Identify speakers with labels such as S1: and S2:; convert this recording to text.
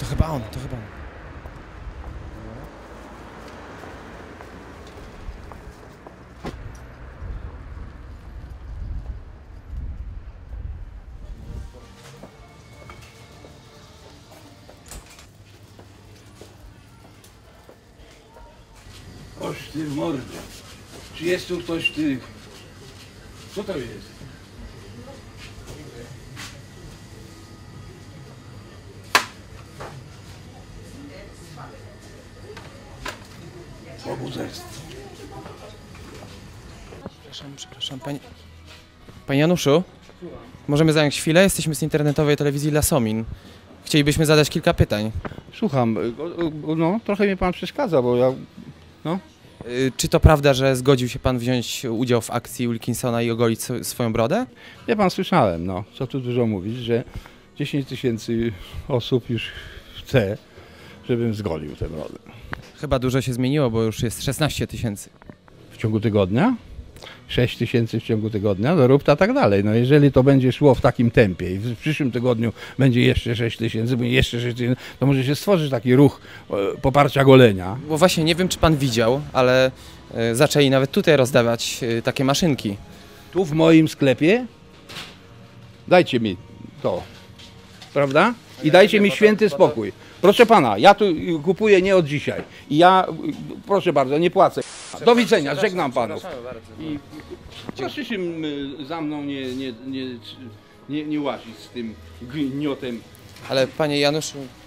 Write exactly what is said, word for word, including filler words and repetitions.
S1: chyba on, to chyba on.
S2: Oż ty mordę. Czy jest tu ktoś, ty... Co to jest? Pobudzestwo.
S1: Przepraszam, przepraszam, panie... Panie Januszu? Możemy zająć chwilę? Jesteśmy z internetowej telewizji Lasomin. Chcielibyśmy zadać kilka pytań.
S2: Słucham, no trochę mnie pan przeszkadza, bo ja... No.
S1: Y, Czy to prawda, że zgodził się pan wziąć udział w akcji Wilkinsona i ogolić sw- swoją brodę?
S2: Ja pan słyszałem, no, co tu dużo mówić, że dziesięć tysięcy osób już chce, żebym zgolił tę brodę.
S1: Chyba dużo się zmieniło, bo już jest szesnaście tysięcy.
S2: W ciągu tygodnia? sześć tysięcy w ciągu tygodnia, no rób to tak dalej. No jeżeli to będzie szło w takim tempie i w przyszłym tygodniu będzie jeszcze sześć tysięcy, będzie jeszcze sześć tysięcy, to może się stworzyć taki ruch e, poparcia golenia.
S1: Bo właśnie nie wiem, czy pan widział, ale y, zaczęli nawet tutaj rozdawać y, takie maszynki.
S2: Tu w moim sklepie dajcie mi to, prawda? I dajcie mi święty spokój. Proszę pana, ja tu kupuję nie od dzisiaj. I ja, proszę bardzo, nie płacę. Do widzenia, żegnam panów. I proszę się y, za mną nie, nie, nie, nie, nie łazić z tym gniotem.
S1: Ale panie Januszu,